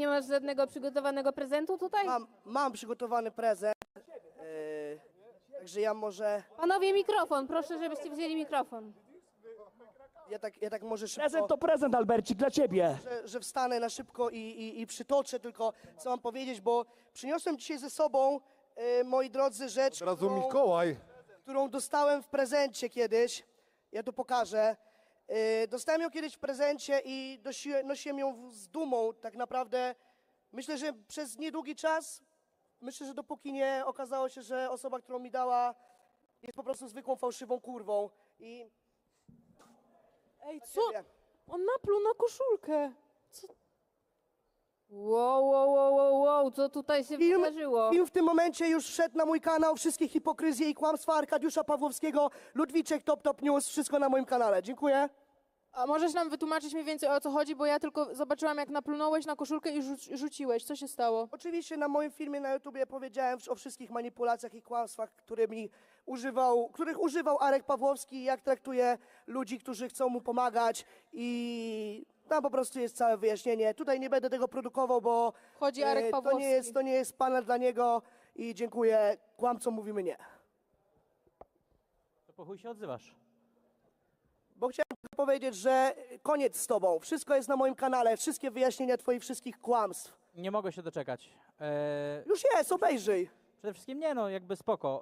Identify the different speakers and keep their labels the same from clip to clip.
Speaker 1: nie masz żadnego przygotowanego prezentu tutaj?
Speaker 2: Mam przygotowany prezent, także ja może,
Speaker 1: Panowie, mikrofon, proszę, żebyście wzięli mikrofon.
Speaker 2: ja tak może szybko,
Speaker 3: Prezent to prezent, Albercik, dla ciebie.
Speaker 2: że wstanę na szybko i przytoczę tylko, co mam powiedzieć, bo przyniosłem dzisiaj ze sobą, moi drodzy, rzecz,
Speaker 4: Od razu Mikołaj.
Speaker 2: którą dostałem w prezencie kiedyś. Ja tu pokażę. Dostałem ją kiedyś w prezencie i nosiłem ją z dumą. Tak naprawdę myślę, że przez niedługi czas, myślę, że dopóki nie okazało się, że osoba, którą mi dała, jest po prostu zwykłą fałszywą kurwą. I
Speaker 5: Ej, co? On napluł na koszulkę.
Speaker 1: Wow, co tutaj się wydarzyło?
Speaker 2: Film w tym momencie już wszedł na mój kanał. Wszystkie hipokryzje i kłamstwa Arkadiusza Pawłowskiego, Ludwiczek, Top News, wszystko na moim kanale. Dziękuję.
Speaker 5: A możesz nam wytłumaczyć mniej więcej, o co chodzi, bo ja tylko zobaczyłam, jak naplunąłeś na koszulkę i rzuciłeś. Co się stało?
Speaker 2: Oczywiście na moim filmie na YouTubie powiedziałem o wszystkich manipulacjach i kłamstwach, których używał Arek Pawłowski, jak traktuje ludzi, którzy chcą mu pomagać i tam po prostu jest całe wyjaśnienie. Tutaj nie będę tego produkował, bo
Speaker 5: Chodzi Arek Pawłowski.
Speaker 2: to nie jest panel dla niego i dziękuję. Kłamcom mówimy nie.
Speaker 6: To po chuj się odzywasz.
Speaker 2: Bo chciałem tylko powiedzieć, że koniec z tobą. Wszystko jest na moim kanale, wszystkie wyjaśnienia twoich wszystkich kłamstw.
Speaker 6: Nie mogę się doczekać.
Speaker 2: Już jest, obejrzyj.
Speaker 6: Przede wszystkim nie, no jakby spoko.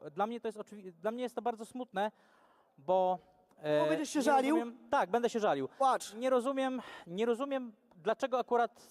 Speaker 6: Dla mnie jest to bardzo smutne, bo...
Speaker 2: Będziesz się
Speaker 6: nie
Speaker 2: żalił?
Speaker 6: Tak, będę się żalił.
Speaker 2: Płacz.
Speaker 6: Nie rozumiem, dlaczego akurat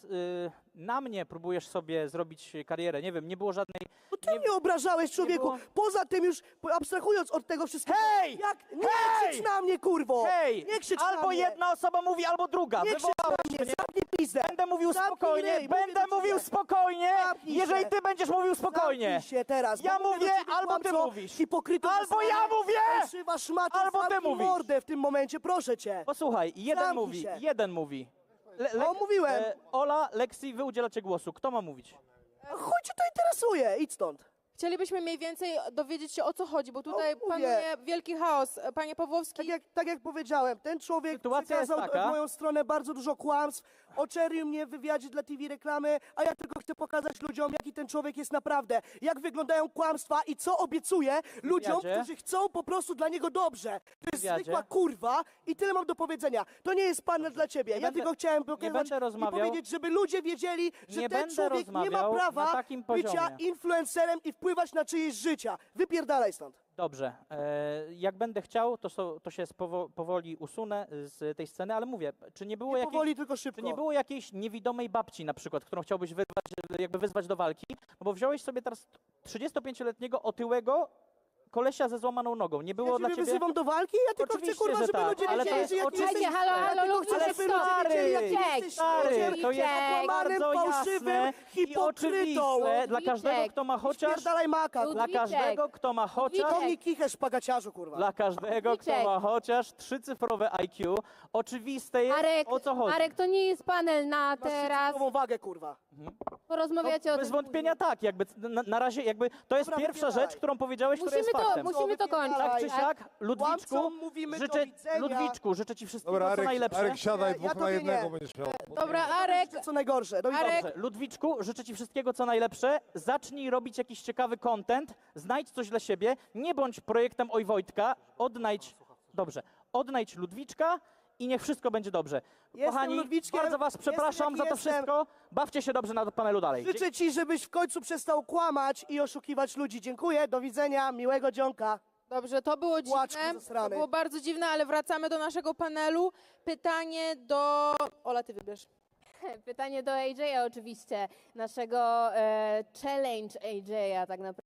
Speaker 6: na mnie próbujesz sobie zrobić karierę. Nie wiem, nie było żadnej...
Speaker 2: No ty mnie obrażałeś, człowieku.
Speaker 6: było-
Speaker 2: Poza tym już, abstrahując od tego wszystkiego.
Speaker 6: Hej!
Speaker 2: Nie
Speaker 6: Hej!
Speaker 2: krzycz na mnie, kurwo!
Speaker 6: Hej!
Speaker 2: Nie krzycz na
Speaker 6: Albo
Speaker 2: mnie!
Speaker 6: jedna osoba mówi, albo druga.
Speaker 2: Nie krzycz
Speaker 6: Wywołałeś
Speaker 2: na mnie,
Speaker 6: mnie.
Speaker 2: zamknij pizdę!
Speaker 6: Będę mówił
Speaker 2: Zamknij
Speaker 6: spokojnie,
Speaker 2: ryj, mówię
Speaker 6: będę
Speaker 2: do
Speaker 6: mówił
Speaker 2: ciebie.
Speaker 6: spokojnie,
Speaker 2: Zamknij
Speaker 6: jeżeli
Speaker 2: się.
Speaker 6: ty będziesz mówił spokojnie.
Speaker 2: Zamknij się teraz.
Speaker 6: Ja
Speaker 2: bo mówię do
Speaker 6: mówię,
Speaker 2: ciebie,
Speaker 6: albo ty
Speaker 2: kłamco,
Speaker 6: mówisz.
Speaker 2: Hipokryto
Speaker 6: Albo ja mówię!
Speaker 2: Fałszywa szmato,
Speaker 6: Albo ty
Speaker 2: zamknij
Speaker 6: mówisz.
Speaker 2: mordę w tym momencie, proszę cię.
Speaker 6: Posłuchaj,
Speaker 2: Zamknij się.
Speaker 6: jeden mówi.
Speaker 2: Mówiłem.
Speaker 6: Ola, Lexi, wy udzielacie głosu. Kto ma mówić?
Speaker 2: Chuj cię to interesuje, idź stąd.
Speaker 5: Chcielibyśmy mniej więcej dowiedzieć się, o co chodzi, bo tutaj
Speaker 2: mówię.
Speaker 5: panuje wielki chaos. Panie Pawłowski,
Speaker 2: Tak jak powiedziałem, ten człowiek
Speaker 6: Sytuacja jest
Speaker 2: przekazał
Speaker 6: taka.
Speaker 2: w moją stronę bardzo dużo kłamstw, oczernił mnie w wywiadzie dla TV reklamy, a ja tylko chcę pokazać ludziom, jaki ten człowiek jest naprawdę, jak wyglądają kłamstwa i co obiecuje ludziom,
Speaker 6: wywiadzie?
Speaker 2: którzy chcą po prostu dla niego dobrze. To jest
Speaker 6: wywiadzie?
Speaker 2: zwykła kurwa i tyle mam do powiedzenia. To nie jest panel dla ciebie. Ja
Speaker 6: będę-
Speaker 2: tylko chciałem pokazać
Speaker 6: będę
Speaker 2: i
Speaker 6: rozmawiał-
Speaker 2: powiedzieć, żeby ludzie wiedzieli, że
Speaker 6: Nie
Speaker 2: ten
Speaker 6: będę
Speaker 2: człowiek nie ma
Speaker 6: rozmawiał
Speaker 2: prawa
Speaker 6: na takim
Speaker 2: bycia
Speaker 6: poziomie.
Speaker 2: influencerem i wpływać na czyjeś życia. Wypierdalaj stąd.
Speaker 6: Dobrze. Jak będę chciał, to się powoli usunę z tej sceny, ale mówię, czy nie było
Speaker 2: Nie
Speaker 6: jakiejś...
Speaker 2: powoli, tylko szybko.
Speaker 6: Czy nie było jakiejś niewidomej babci na przykład, którą chciałbyś wyzwać do walki? No bo wziąłeś sobie teraz 35-letniego otyłego kolesia ze złamaną nogą. Nie było
Speaker 2: Ja
Speaker 6: dla
Speaker 2: ciebie
Speaker 6: ciebie...
Speaker 2: wyzywam do walki? Ja tylko chcę,
Speaker 6: Oczywiście,
Speaker 2: kurwa,
Speaker 6: że
Speaker 2: żeby
Speaker 6: tak,
Speaker 2: ludzie
Speaker 6: ale to
Speaker 2: wiedzieli,
Speaker 6: jest
Speaker 2: że jaki
Speaker 6: oczywiście-
Speaker 2: jesteś...
Speaker 1: Halo,
Speaker 2: Ja tylko
Speaker 1: ludzie,
Speaker 2: chcę, żeby ludzie
Speaker 6: stary,
Speaker 2: wiedzieli, jaki
Speaker 1: Ludziek,
Speaker 2: jesteś
Speaker 6: Stary,
Speaker 2: ludziem,
Speaker 6: to jest
Speaker 2: okłamanym,
Speaker 6: bardzo
Speaker 2: fałszywym
Speaker 6: jasne i
Speaker 2: hipokrytą.
Speaker 6: oczywiste dla każdego,
Speaker 1: Ludwiczek,
Speaker 6: kto ma chociaż...
Speaker 2: Spierdalaj maka.
Speaker 1: Ludwiczek.
Speaker 6: Dla każdego, kto ma chociaż...
Speaker 1: Ludwiczek.
Speaker 2: To mi kichesz, pagaciarzu, kurwa.
Speaker 6: Dla każdego, kto
Speaker 1: Ludwiczek.
Speaker 6: ma chociaż 3-cyfrowe IQ, oczywiste jest, o co chodzi.
Speaker 1: Arek, to nie jest panel na
Speaker 2: Masz
Speaker 1: teraz.
Speaker 2: szczytową wagę, kurwa.
Speaker 1: Porozmawiacie o
Speaker 6: Bez
Speaker 1: tym
Speaker 6: wątpienia tak, jakby na razie jakby to jest
Speaker 2: Dobra,
Speaker 6: pierwsza
Speaker 2: wypierdalaj.
Speaker 6: rzecz, którą powiedziałeś, która jest
Speaker 1: Musimy to,
Speaker 6: faktem.
Speaker 1: musimy to kończyć.
Speaker 6: Tak czy
Speaker 2: Tak.
Speaker 6: siak, Ludwiczku,
Speaker 2: Kłamcom mówimy do
Speaker 6: życzę,
Speaker 2: widzenia.
Speaker 6: Ludwiczku, życzę ci wszystkiego,
Speaker 4: Dobra,
Speaker 6: co najlepsze.
Speaker 4: Arek, siadaj,
Speaker 2: Ja
Speaker 4: dwóch na
Speaker 2: tobie
Speaker 4: jednego
Speaker 2: nie.
Speaker 4: będziesz miał.
Speaker 5: dobra, Arek,
Speaker 2: Co najgorsze. Do widzenia.
Speaker 5: Arek.
Speaker 6: Dobrze, Ludwiczku, życzę ci wszystkiego, co najlepsze. Zacznij robić jakiś ciekawy content, znajdź coś dla siebie, nie bądź projektem Oj Wojtka, odnajdź Ludwiczka i niech wszystko będzie dobrze.
Speaker 2: Jestem
Speaker 6: Kochani,
Speaker 2: Ludwiczkiem,
Speaker 6: bardzo was przepraszam
Speaker 2: jestem,
Speaker 6: za
Speaker 2: jaki
Speaker 6: to
Speaker 2: jestem.
Speaker 6: wszystko. Bawcie się dobrze na panelu dalej.
Speaker 2: Życzę ci, żebyś w końcu przestał kłamać i oszukiwać ludzi. Dziękuję, do widzenia, miłego dzionka.
Speaker 5: dobrze, to było
Speaker 2: Płaczku
Speaker 5: dziwne, to
Speaker 2: zasrany.
Speaker 5: było bardzo dziwne, ale wracamy do naszego panelu. Pytanie do... Ola, ty wybierz.
Speaker 1: Pytanie do AJ'a oczywiście, naszego challenge AJ'a tak naprawdę.